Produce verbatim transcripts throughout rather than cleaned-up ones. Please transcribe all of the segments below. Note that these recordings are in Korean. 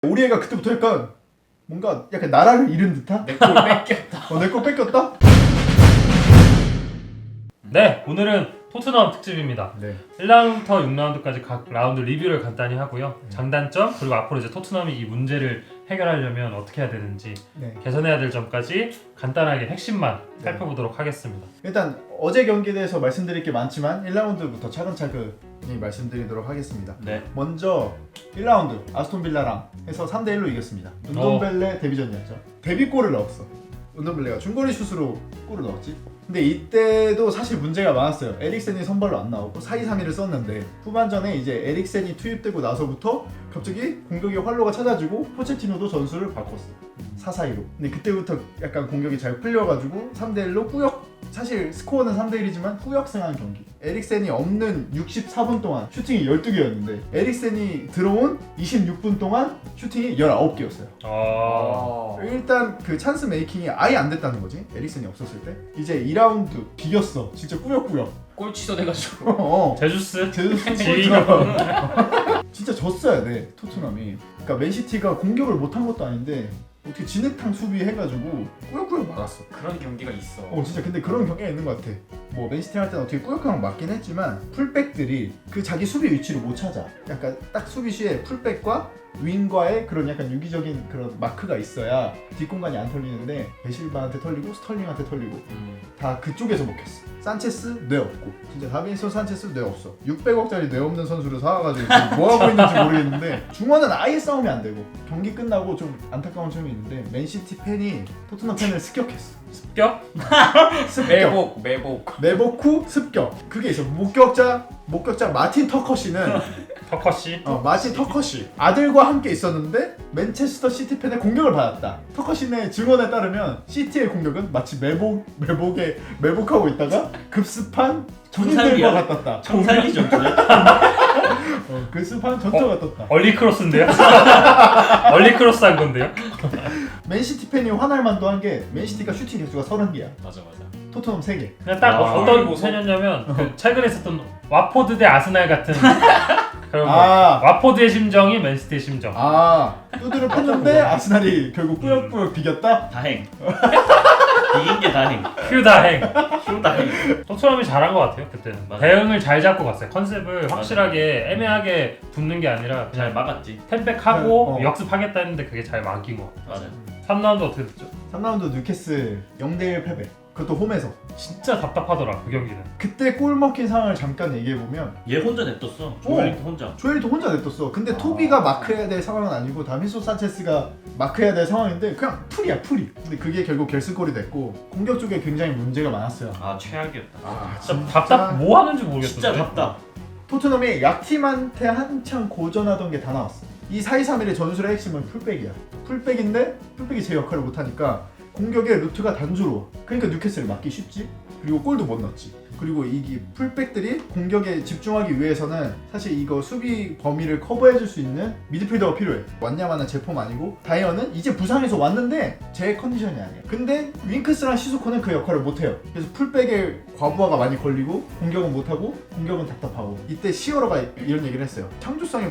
우리 애가 그때부터 약간 뭔가 약간 나라를 잃은 듯한? 내 골 뺏겼다. 어, 내 거 뺏겼다? 네, 오늘은 토트넘 특집입니다. 네. 일 라운드부터 육 라운드까지 각 라운드 리뷰를 간단히 하고요. 장단점 그리고 앞으로 이제 토트넘이 이 문제를 해결하려면 어떻게 해야 되는지 네. 개선해야 될 점까지 간단하게 핵심만 네. 살펴보도록 하겠습니다. 일단 어제 경기에 대해서 말씀드릴 게 많지만 일 라운드부터 차근차근히 말씀드리도록 하겠습니다. 네. 먼저 일 라운드 아스톤빌라랑 해서 삼 대 일로 이겼습니다. 운동벨레 데뷔전이었죠. 데뷔골을 넣었어. 운동벨레가 중거리 슛으로 골을 넣었지. 근데 이때도 사실 문제가 많았어요. 에릭센이 선발로 안 나오고 사 이 삼 일을 썼는데 후반전에 이제 에릭센이 투입되고 나서부터 갑자기 공격의 활로가 찾아지고 포체티노도 전술을 바꿨어. 사 사 이로. 근데 그때부터 약간 공격이 잘 풀려가지고 삼 대 일로 후역, 사실 스코어는 삼 대 일이지만 후역승한 경기. 에릭센이 없는 육십사 분 동안 슈팅이 열두 개였는데 에릭센이 들어온 이십육 분 동안 슈팅이 열아홉 개였어요. 아... 일단 그 찬스 메이킹이 아예 안 됐다는 거지. 에릭센이 없었을 때. 이제 이 라운드 비겼어. 진짜 꾸역꾸역. 골 취소돼가지고. 어. 제주스 제주스 지휘가 들어가. 진짜 졌어야 돼 토트넘이. 그러니까 맨시티가 공격을 못한 것도 아닌데 어떻게 진흙탕 수비해가지고 꾸역꾸역 막았어. 그런 경기가 있어. 어 진짜 근데 그런 경기가 있는 것 같아. 뭐 맨시티 할 때는 어떻게 꾸역꾸역 맞긴 했지만 풀백들이 그 자기 수비 위치를 못 찾아. 약간 딱 수비시에 풀백과 윙과의 그런 약간 유기적인 그런 마크가 있어야 뒷공간이 안 털리는데 베실바한테 털리고 스털링한테 털리고 음. 다 그쪽에서 먹혔어. 산체스 뇌 없고 진짜 다빈손 산체스 뇌 없어. 육백억짜리 뇌 없는 선수를 사와가지고 지금 뭐 하고 있는지 모르겠는데 중원은 아예 싸움이 안 되고 경기 끝나고 좀 안타까운 점이 있는데 맨시티 팬이 토트넘 팬을 습격했어. 습격? 습격. 매복 매복. 매복 후 습격. 그게 있어. 목격자 목격자 마틴 터커시는 터커시? 어, 마틴 터커시 아들과 함께 있었는데 맨체스터 시티 팬의 공격을 받았다. 터커시의 증언에 따르면 시티의 공격은 마치 매복 매복에 매복하고 있다가 급습한 군인들과 같았다. 청산기 전투야? 어, 급습한 전투가 떴다. 얼리 크로스인데요? 얼리 크로스 한 건데요? 맨시티 팬이 화날 만도 한 게 맨시티가 슈팅 개수가 서른 개야. 맞아 맞아. 토트넘 세 개. 그냥 딱 아, 어떤 보소? 팬이었냐면 그 최근에 있었던 와포드 대 아스날 같은 그런 거. 아. 와포드의 심정이 맨시티의 심정. 아 두드를 팼는데 아스날이 결국 꾸역꾸역 비겼다? 다행. 이긴 게 다행. 휴 다행. 휴 다행. 토트넘이 잘한 것 같아요 그때는. 맞아. 대응을 잘 잡고 갔어요. 컨셉을 확실하게 애매하게 붙는 게 아니라 잘 그냥 막았지. 템백하고 어. 역습하겠다 했는데 그게 잘 막힌 것 같아요. 맞아. 삼 라운드 어떻게 됐죠? 삼 라운드 뉴캐슬 영 대 일 패배. 그것도 홈에서. 진짜 답답하더라 그 경기는. 그때 골 먹힌 상황을 잠깐 얘기해보면 얘 혼자 냅뒀어. 조엘리트 혼자. 조엘도 혼자 냅뒀어. 근데 아. 토비가 마크해야 될 상황은 아니고 다빈손 산체스가 마크해야 될 상황인데 그냥 풀이야 풀이. 근데 그게 결국 결승골이 됐고 공격 쪽에 굉장히 문제가 많았어요. 아 최악이었다. 아 진짜 답답 뭐 하는지 모르겠어. 진짜 답답. 토트넘이 약팀한테 한창 고전하던 게 다 나왔어. 이 사 이 삼 일의 전술의 핵심은 풀백이야. 풀백인데 풀백이 제 역할을 못하니까 공격의 루트가 단조로워. 그러니까 뉴캐슬을 막기 쉽지. 그리고 골도 못 넣었지. 그리고 이게 풀백들이 공격에 집중하기 위해서는 사실 이거 수비 범위를 커버해줄 수 있는 미드필더가 필요해. 왔냐마는 제 폼 아니고 다이어는 이제 부상에서 왔는데 제 컨디션이 아니야. 근데 윙크스랑 시소코는 그 역할을 못해요. 그래서 풀백에 과부하가 많이 걸리고 공격은 못하고 공격은 답답하고. 이때 시어러가 이런 얘기를 했어요. 창조성이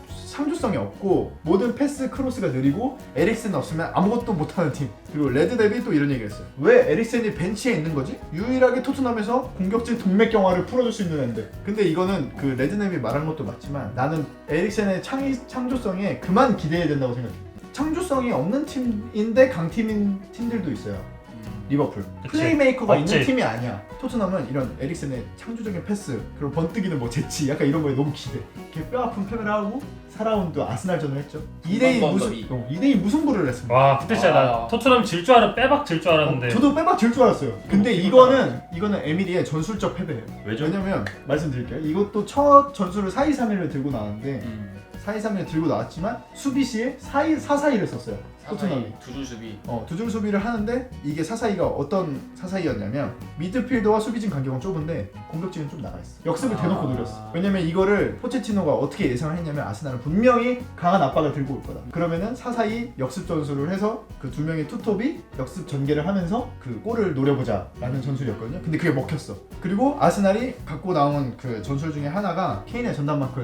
창조성이 없고 모든 패스 크로스가 느리고 에릭센 없으면 아무것도 못하는 팀. 그리고 레드데비 또 이런 얘기를 했어요. 왜 에릭센이 벤치에 있는 거지? 유일하게 토트넘에서 공격진 동맥경화를 풀어줄 수 있는 앤데. 근데 이거는 그 레드데비 말한 것도 맞지만 나는 에릭센의 창의, 창조성에 그만 기대해야 된다고 생각해. 창조성이 없는 팀인데 강팀인 팀들도 있어요. 리버풀. 그치. 플레이메이커가 없지. 있는 팀이 아니야. 토트넘은 이런 에릭센의 창조적인 패스 그리고 번뜩이는 뭐 재치 약간 이런 거에 너무 기대. 이렇게 뼈아픈 패배를 하고 사 라운드 아스날전을 했죠. 이 대 이 번 무슨 더비. 어, 이 대 이 무승부를 했습니다. 와 그때 진짜 아. 나 토트넘 질 줄 알았 빼박 질 줄 알았는데. 어, 저도 빼박 질 줄 알았어요. 근데 이거는 이거는 에밀리의 전술적 패배예요. 왜죠? 왜냐면 말씀드릴게요. 이것도 첫 전술을 사 이 삼 일을 들고 나왔는데 음. 사 이 삼 일을 들고 나왔지만 수비 시에 사 사 이를 썼어요. 토트넘이. 두줄 수비. 어, 두 줄 수비를 하는데 이게 사사이가 어떤 사사이였냐면 미드필더와 수비진 간격은 좁은데 공격진은 좀 나가 있어. 역습을 아. 대놓고 노렸어. 왜냐면 이거를 포체티노가 어떻게 예상을 했냐면 아스날은 분명히 강한 압박을 들고 올 거다. 그러면은 사사이 역습 전술을 해서 그 두 명의 투톱이 역습 전개를 하면서 그 골을 노려보자라는 전술이었거든요. 근데 그게 먹혔어. 그리고 아스날이 갖고 나온 그 전술 중에 하나가 케인의 전담 마크에서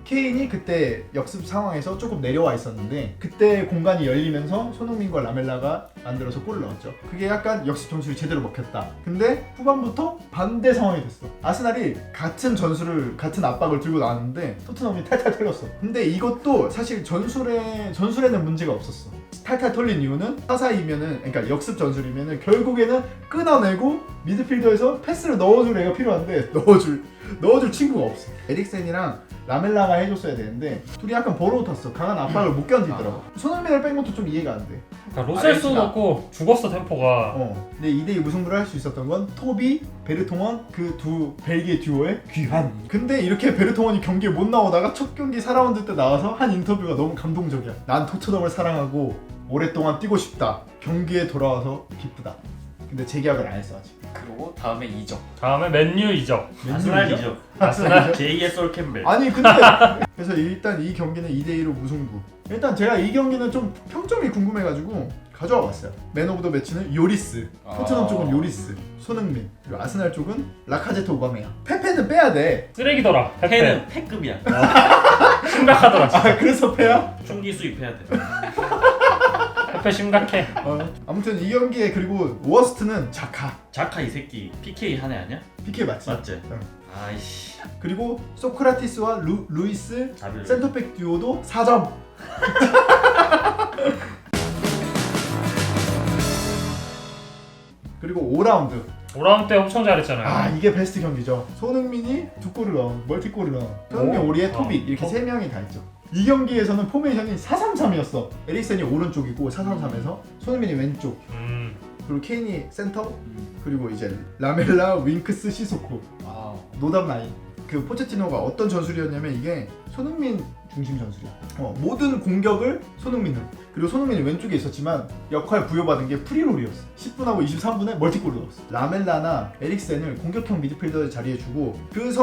케인이 그때 역습 상황에서 조금 내려와 있었는데 그때 공간이 열리면서 손흥민과 라멜라가 만들어서 골을 넣었죠. 그게 약간 역습 전술이 제대로 먹혔다. 근데 후반부터 반대 상황이 됐어. 아스날이 같은 전술을 같은 압박을 들고 나왔는데 토트넘이 탈탈 털렸어. 근데 이것도 사실 전술에 전술에는 문제가 없었어. 탈탈 털린 이유는 사사이면은 그러니까 역습 전술이면은 결국에는 끊어내고 미드필더에서 패스를 넣어줄 애가 필요한데 넣어줄 넣어줄 친구가 없어. 에릭센이랑 라멜라가 해줬어야 되는데 둘이 약간 버러워 탔어. 강한 압박을 못 견디더라고. 손흥민을 뺀 것도 좀 이해가 안 돼. 그러니까 로셀스 알겠습니다. 넣고 죽었어 템포가. 어. 근데 이 대 이 무승부를 할 수 있었던 건 토비, 베르통원 그 두 벨기에 듀오의 귀환. 근데 이렇게 베르통원이 경기에 못 나오다가 첫 경기 사 라운드 때 나와서 한 인터뷰가 너무 감동적이야. 난 토트넘을 사랑하고 오랫동안 뛰고 싶다. 경기에 돌아와서 기쁘다. 근데 재계약을 안 했어 아직. 그리고 다음에 이적. 다음에 맨유 이적. 아스날이죠. 아스날. 제이의 솔 캠벨. 아니 근데 그래서 일단 이 경기는 이 대 이로 무승부. 일단 제가 이 경기는 좀 평점이 궁금해가지고 가져와 봤어요. 맨 오브 더 매치는 요리스. 토트넘 아. 쪽은 요리스, 손흥민. 그리고 아스날 쪽은 라카제트 오바메야. 페페는 빼야 돼. 쓰레기더라. 페페. 패는 패급이야. 심각하더라. 진짜. 아 그래서 패야? 총기 수입해야 돼. 페페 심각해. 어. 아무튼 이 경기에 그리고 워스트는 자카. 자카 이 새끼 피케이 한 애 아니야? 피케 맞지? 맞지? 응. 아이씨. 그리고 소크라티스와 루, 루이스 자비를. 센터백 듀오도 사 점. 그리고 오 라운드. 오 라운드 때 엄청 잘했잖아요. 아 이게 베스트 경기죠. 손흥민이 두 골을 넣은 멀티골을 넣은 손흥민, 오. 오리에, 어. 토비 이렇게 세 명이 다 있죠. 이 경기에서는 포메이션이 사 삼 삼이었어. 에릭센이 오른쪽이고 사 삼 삼에서 손흥민이 왼쪽, 음. 그리고 케인이 센터, 그리고 이제 라멜라, 윙크스, 시소코. 아, 노답 라인. 그 포체티노가 어떤 전술이었냐면 이게 손흥민 중심 전술이야. 어, 모든 공격을 손흥민은. 그리고 손흥민이 왼쪽에 있었지만 역할 부여받은 게 프리롤이었어. 십 분하고 이십삼 분에 멀티골을 넣었어. 라멜라나 에릭센을 공격형 미드필더 자리에 주고 그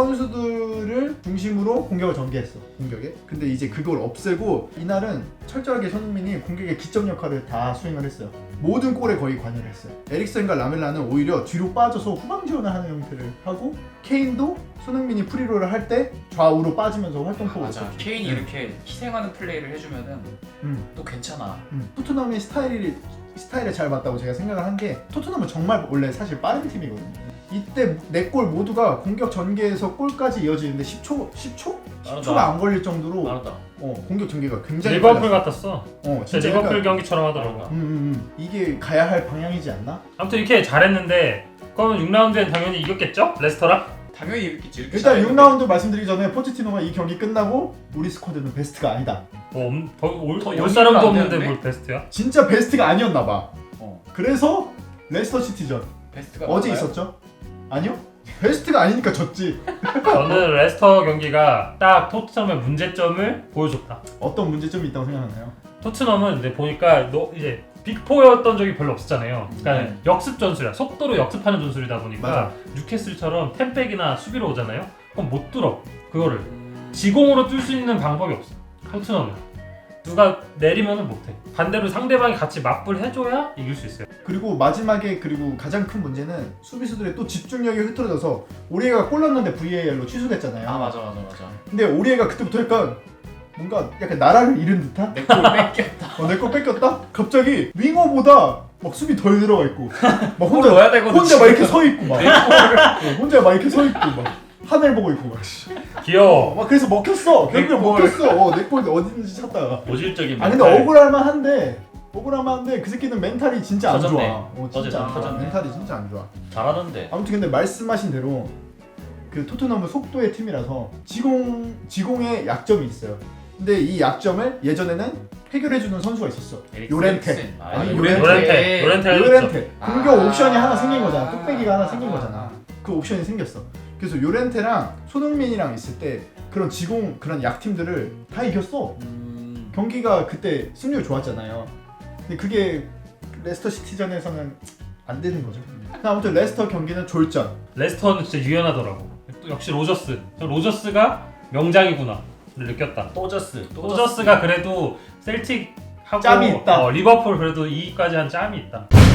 선수들을 중심으로 공격을 전개했어. 공격에. 근데 이제 그걸 없애고 이날은 철저하게 손흥민이 공격의 기점 역할을 다 수행을 했어요. 모든 골에 거의 관여를 했어요. 에릭센과 라멜라는 오히려 뒤로 빠져서 후방 지원을 하는 형태를 하고 케인도 손흥민이 프리롤을 할 때 좌우로 빠지면서 활동폭을 맞아. 했었죠. 케인이 응. 이렇게 희생하는 플레이를 해주면은 음. 또 괜찮아. 음. 토트넘의 스타일이 스타일에 잘 맞다고 제가 생각을 한 게 토트넘은 정말 원래 사실 빠른 팀이거든요. 이때 네 골 모두가 공격 전개에서 골까지 이어지는데 십 초 십 초? 십 초가 안 걸릴 정도로 빠르다. 어, 공격 전개가 굉장히 리버풀 빨랐어. 같았어. 어, 진짜 진짜 리버풀 약간, 경기처럼 하더라고. 음, 음, 음. 이게 가야 할 방향이지 않나? 아무튼 이렇게 잘했는데 그러면 육 라운드엔 당연히 이겼겠죠? 레스터랑? 당연히 이렇겠지. 이렇게 일단 잘했는데. 육 라운드 말씀드리기 전에 포체티노가 이 경기 끝나고 우리 스쿼드는 베스트가 아니다. 뭐 엄- 더 올, 더 올 연기가 사람도 안 없는데 되는데? 뭘 베스트야? 진짜 베스트가 아니었나 봐. 어, 그래서 레스터 시티전 베스트가 어제 나와요? 있었죠? 아니요? 베스트가 아니니까 졌지. 저는 레스터 경기가 딱 토트넘의 문제점을 보여줬다. 어떤 문제점이 있다고 생각하나요? 토트넘은 이제 보니까 너 이제 빅포였던 적이 별로 없었잖아요. 그러니까 네. 역습 전술이야. 속도로 역습하는 전술이다 보니까 맞아. 뉴캐슬처럼 템백이나 수비로 오잖아요. 그럼 못 뚫어. 그거를 음, 지공으로 뚫을 수 있는 방법이 없어. 토트넘은 누가 내리면은 못해. 반대로 상대방이 같이 맞불 해줘야 이길 수 있어요. 그리고 마지막에 그리고 가장 큰 문제는 수비수들의 또 집중력이 흐트러져서 오리에가 골 넣었는데 브이에이알로 취소됐잖아요. 아 맞아 맞아 맞아. 근데 오리에가 그때부터 약간 뭔가 약간 나라를 잃은 듯한? 내골 뺏겼다. 어, 내 거 뺏겼다? 갑자기 윙어보다 막 수비 덜 들어가 있고 막 골 혼자 넣어야 되거든. 혼자 막 지금. 이렇게 서 있고 막 어, 혼자 막 이렇게 서 있고 막 하늘 보고 있고 막, 씨. 귀여워. 막 그래서 먹혔어. 결국에 내 골. 먹혔어. 어, 내 골 어디 있는지 찾다가. 모질적인 아 근데 멘탈. 억울할만 한데 억울할만 한데 그 새끼는 멘탈이 진짜 안 터졌네. 좋아. 어, 어제 진짜 좀 터졌네. 멘탈이 진짜 안 좋아. 잘하던데. 아무튼 근데 말씀하신 대로 그 토트넘은 속도의 팀이라서 지공 지공에 약점이 있어요. 근데 이 약점을 예전에는 해결해주는 선수가 있었어. 에릭슨. 요렌테. 아, 아니, 요렌테. 요렌테. 요렌테 해줬죠. 요렌테. 공격 아. 옵션이 하나 생긴 거잖아. 뚝배기가 하나 생긴 아. 거잖아. 그 옵션이 생겼어. 그래서 요렌테랑 손흥민이랑 있을 때 그런 지공 그런 약팀들을 다 이겼어. 음, 경기가 그때 승률 좋았잖아요. 근데 그게 레스터 시티전에서는 안 되는 거죠. 아무튼 레스터 경기는 졸전. 레스터는 진짜 유연하더라고. 또 역시 로저스. 저 로저스가 명장이구나. 를 느꼈다. 또저스. 로저스가 그래도 셀틱 하고 짬이 있다. 어, 리버풀 그래도 이기까지 한 짬이 있다.